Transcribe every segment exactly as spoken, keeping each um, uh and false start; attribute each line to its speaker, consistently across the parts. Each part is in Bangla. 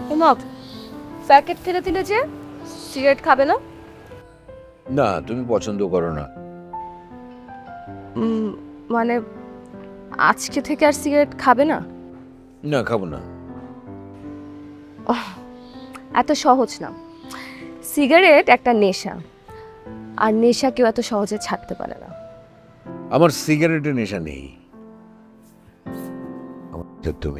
Speaker 1: ওমা, প্যাকেট ফেলে দিলে যে, সিগারেট খাবে না?
Speaker 2: না, তুমি পছন্দ করো না।
Speaker 1: উম, মানে আজকে থেকে আর সিগারেট খাবে না?
Speaker 2: না, খাবো না।
Speaker 1: এত সহজ না। সিগারেট একটা নেশা, আর নেশা কেউ এত সহজে ছাড়তে পারে না।
Speaker 2: আমার সিগারেটের নেশা নেই। আমার তো তুমি।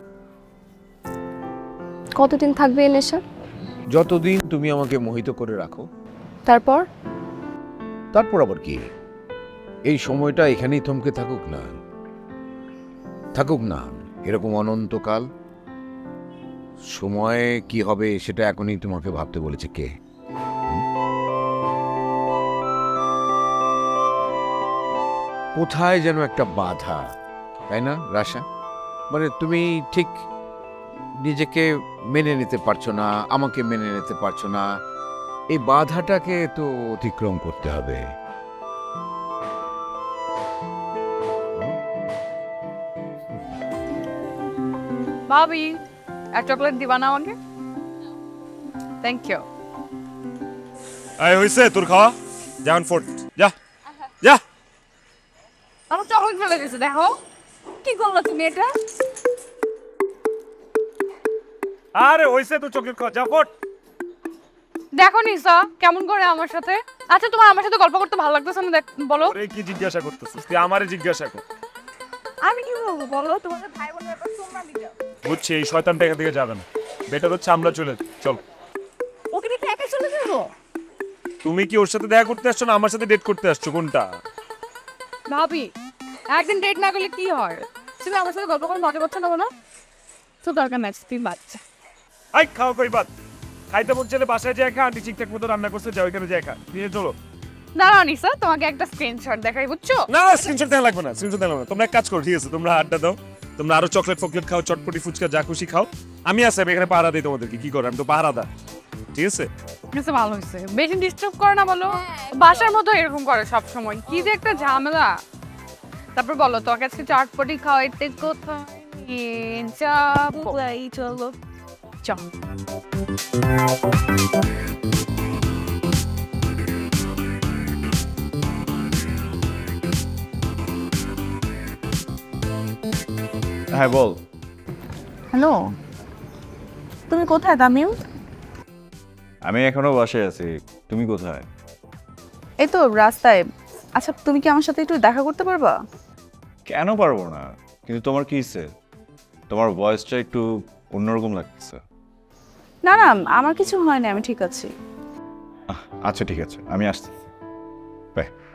Speaker 1: কতদিন থাকবে এই নেশা?
Speaker 2: যতদিন তুমি আমাকে মোহিত করে রাখো।
Speaker 1: তারপর?
Speaker 2: তারপর আবার কি? এই সময়টা এখানেই থমকে থাকুক না, থাকুক না এরকম অনন্তকাল। সময় কি হবে সেটা এখনই তোমাকে ভাবতে বলেছে কে? হুম? কোথায় যেন একটা বাধা, তাই না রাশা? মানে তুমি ঠিক নিজেকে মেনে নিতে পারছো না, আমাকে মেনে নিতে পারছো না। এই বাধাটাকে তো অতিক্রম করতে হবে।
Speaker 3: ভাবি এক চকলেট দিবা না আমাকে? Thank you.
Speaker 4: এই হইছে তোর খাওয়া? যেমন ফোর্ট যা যা।
Speaker 3: আমার চকলেট ফেলে দিয়েছে, দেখো কি করলো তুমি এটা।
Speaker 4: আরে হইছে তোর চকলেট খাওয়া, যা ফোর্ট।
Speaker 3: দেখো নিসা কেমন করে আমার সাথে। আচ্ছা তোমার আমার সাথে গল্প করতে ভালো লাগতেছে না, দেখ বলো।
Speaker 4: ওরে কি জিজ্ঞাসা করতেছিস তুই? আমারে জিজ্ঞাসা কর।
Speaker 3: আমি কি বলবো বলো, তোমাদের ভাই বোনের ব্যাপার তোমরা দিও।
Speaker 4: বুঝছি এই শয়তানটা এখান থেকে যাবে না। বেটার হচ্ছে আমরা চলে যাই। চল।
Speaker 3: ওকে দেখে একা চলে যাবো?
Speaker 4: তুমি কি ওর সাথে দেখা করতে আসছো না আমার সাথে ডেট করতে আসছো, কোনটা?
Speaker 3: ভাবি একদিন ডেট না করলে কি হয়? তুমি আমার সাথে গল্প করে মজা করছো না বলো? তো দরকার নাই, তুমি বাচ্চা।
Speaker 4: আই খাও কই বাদ। খাইতে বলছে বাসায় যায় খা, আন্টি ঠিকঠাক মতো রান্না করছে, যাও ওইখানে যায় খা। নিয়ে চলো।
Speaker 3: দাঁড়াও নিসা, তোমাকে একটা স্ক্রিনশট দেখাই, বুঝছো?
Speaker 4: না না স্ক্রিনশট দেওয়া লাগবে না, স্ক্রিনশট দেওয়া লাগবে না। তোমরা এক কাজ করো, ঠিক আছে? তোমরা আড্ডা দাও, তোমরা আরো চকলেট ফকলেট খাও, চটপটি ফুচকা যা খুশি খাও। আমি আছি, আমি এখানে পাহারা দিই তোমাদেরকে। কি করো, আমি তো পাহারা দা, ঠিক আছে?
Speaker 3: আচ্ছা ভালো হয়েছে, বেশি ডিস্টার্ব করে না বলো। বাসার মতো এরকম করে সব সময়, কি যে একটা ঝামেলা। তারপর বলো তোমাকে আজকে চটপটি খাওয়াইতে কোথায় নিয়ে যাবো? চলো চল।
Speaker 5: হ্যাঁ বল।
Speaker 6: হ্যালো, তুমি কোথায় তামিম?
Speaker 5: আমি এখনো বাসায় আছি, তুমি কোথায়?
Speaker 6: এই তো রাস্তায়। আচ্ছা তুমি কি আমার সাথে একটু দেখা করতে পারবা?
Speaker 5: কেন পারবো না, কিন্তু তোমার কি হয়েছে? তোমার ভয়েসটা একটু অন্যরকম লাগতেছে।
Speaker 6: না না, আমার কিছু হয় না, আমি ঠিক আছি।
Speaker 5: আহ, আচ্ছা ঠিক আছে, আমি আসছি। বাই।